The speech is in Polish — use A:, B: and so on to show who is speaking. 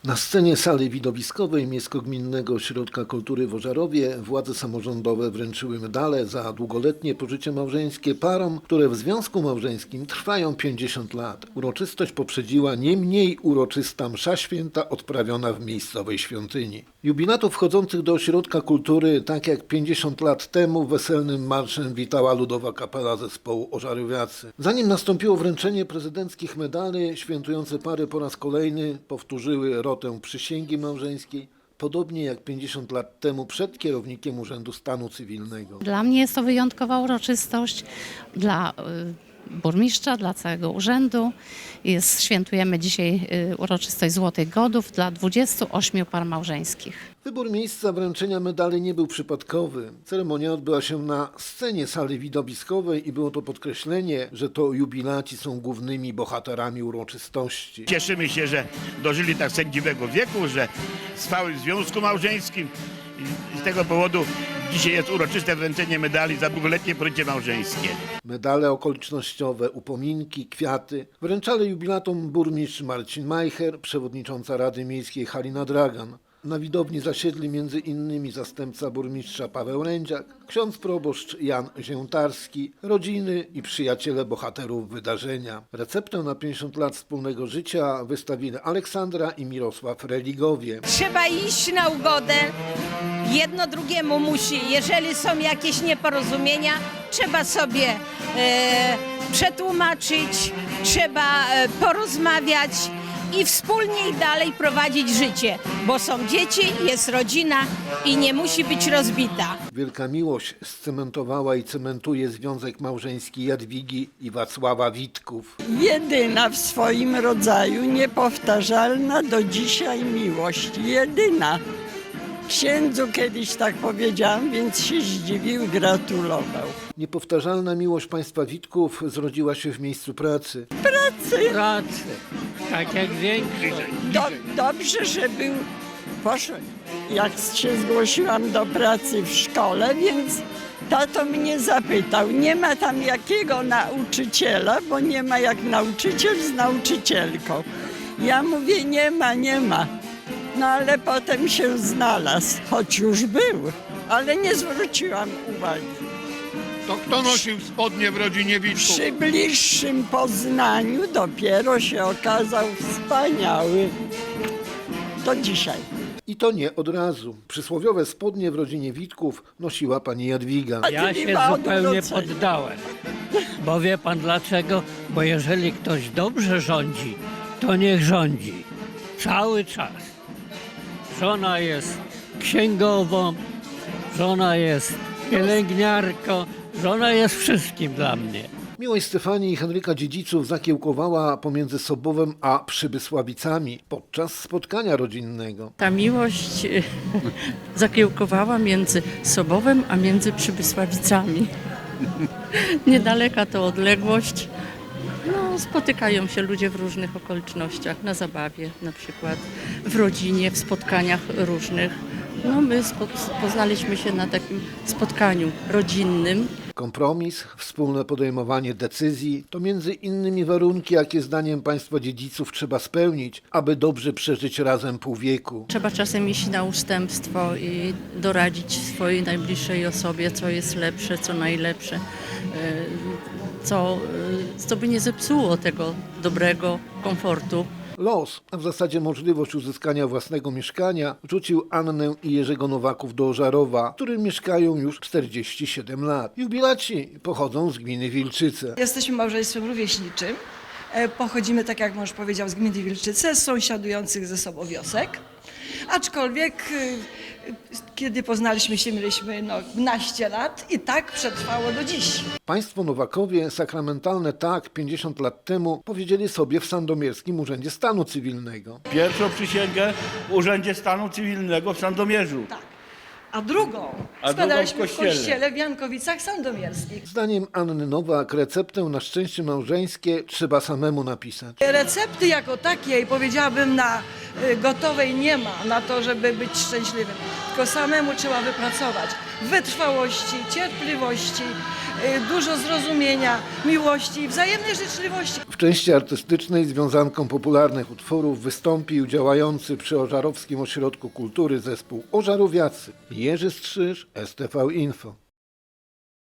A: Na scenie sali widowiskowej Miejsko-Gminnego Ośrodka Kultury w Ożarowie władze samorządowe wręczyły medale za długoletnie pożycie małżeńskie parom, które w związku małżeńskim trwają 50 lat. Uroczystość poprzedziła nie mniej uroczysta msza święta odprawiona w miejscowej świątyni. Jubilatów wchodzących do Ośrodka Kultury, tak jak 50 lat temu, weselnym marszem witała Ludowa Kapela Zespołu Ożarowiacy. Zanim nastąpiło wręczenie prezydenckich medali, świętujące pary po raz kolejny powtórzyły rotę przysięgi małżeńskiej, podobnie jak 50 lat temu przed kierownikiem Urzędu Stanu Cywilnego.
B: Dla mnie jest to wyjątkowa uroczystość, dla burmistrza, dla całego urzędu. Świętujemy dzisiaj uroczystość Złotych Godów dla 28 par małżeńskich.
A: Wybór miejsca wręczenia medali nie był przypadkowy. Ceremonia odbyła się na scenie sali widowiskowej i było to podkreślenie, że to jubilaci są głównymi bohaterami uroczystości.
C: Cieszymy się, że dożyli tak sędziwego wieku, że trwały w związku małżeńskim i z tego powodu dzisiaj jest uroczyste wręczenie medali za długoletnie pożycie małżeńskie.
A: Medale okolicznościowe, upominki, kwiaty wręczali jubilatom burmistrz Marcin Majcher, przewodnicząca Rady Miejskiej Halina Dragan. Na widowni zasiedli m.in. zastępca burmistrza Paweł Rędziak, ksiądz proboszcz Jan Ziętarski, rodziny i przyjaciele bohaterów wydarzenia. Receptę na 50 lat wspólnego życia wystawili Aleksandra i Mirosław Religowie.
D: Trzeba iść na ugodę, jedno drugiemu musi. Jeżeli są jakieś nieporozumienia, trzeba sobie przetłumaczyć, trzeba porozmawiać i wspólnie i dalej prowadzić życie, bo są dzieci, jest rodzina i nie musi być rozbita.
A: Wielka miłość scementowała i cementuje związek małżeński Jadwigi i Wacława Witków.
E: Jedyna w swoim rodzaju, niepowtarzalna do dzisiaj miłość. Jedyna. Księdzu kiedyś tak powiedziałam, więc się zdziwił, gratulował.
A: Niepowtarzalna miłość państwa Witków zrodziła się w miejscu pracy.
F: Pracy, tak jak większość.
E: Dobrze, że był, poszedł, jak się zgłosiłam do pracy w szkole, więc tato mnie zapytał, nie ma tam jakiego nauczyciela, bo nie ma jak nauczyciel z nauczycielką. Ja mówię, nie ma. No ale potem się znalazł, choć już był, ale nie zwróciłam uwagi.
G: To kto nosił spodnie w rodzinie Witków?
E: Przy bliższym poznaniu dopiero się okazał wspaniały. Do dzisiaj.
A: I to nie od razu. Przysłowiowe spodnie w rodzinie Witków nosiła pani Jadwiga.
F: Ja się zupełnie poddałem. Bo wie pan dlaczego? Bo jeżeli ktoś dobrze rządzi, to niech rządzi. Cały czas. Żona jest księgową, żona jest pielęgniarką, żona jest wszystkim dla mnie.
A: Miłość Stefanii i Henryka Dziedziców zakiełkowała pomiędzy Sobowem a Przybysławicami podczas spotkania rodzinnego.
H: Ta miłość zakiełkowała między Sobowem a między Przybysławicami. Niedaleka to odległość. No, spotykają się ludzie w różnych okolicznościach, na zabawie na przykład, w rodzinie, w spotkaniach różnych. No, my poznaliśmy się na takim spotkaniu rodzinnym.
A: Kompromis, wspólne podejmowanie decyzji to między innymi warunki, jakie zdaniem państwa Dziedziców trzeba spełnić, aby dobrze przeżyć razem pół wieku.
H: Trzeba czasem iść na ustępstwo i doradzić swojej najbliższej osobie, co jest lepsze, co najlepsze, co by nie zepsuło tego dobrego komfortu.
A: Los, a w zasadzie możliwość uzyskania własnego mieszkania, rzucił Annę i Jerzego Nowaków do Ożarowa, w którym mieszkają już 47 lat. Jubilaci pochodzą z gminy Wilczyce.
I: Jesteśmy małżeństwem rówieśniczym. Pochodzimy, tak jak mąż powiedział, z gminy Wilczyce, z sąsiadujących ze sobą wiosek. Aczkolwiek, kiedy poznaliśmy się, mieliśmy 12 lat i tak przetrwało do dziś.
A: Państwo Nowakowie sakramentalne tak 50 lat temu powiedzieli sobie w Sandomierskim Urzędzie Stanu Cywilnego.
C: Pierwszą przysięgę w Urzędzie Stanu Cywilnego w Sandomierzu.
I: Tak. A drugą składaliśmy w kościele w Jankowicach Sandomierskich.
A: Zdaniem Anny Nowak receptę na szczęście małżeńskie trzeba samemu napisać.
I: Recepty jako takiej, powiedziałabym, na gotowej nie ma, na to, żeby być szczęśliwym. Tylko samemu trzeba wypracować wytrwałości, cierpliwości, dużo zrozumienia, miłości i wzajemnej życzliwości.
A: W części artystycznej związanką popularnych utworów wystąpił działający przy Ożarowskim Ośrodku Kultury zespół Ożarowiacy. Jerzy Strzyż, STV Info.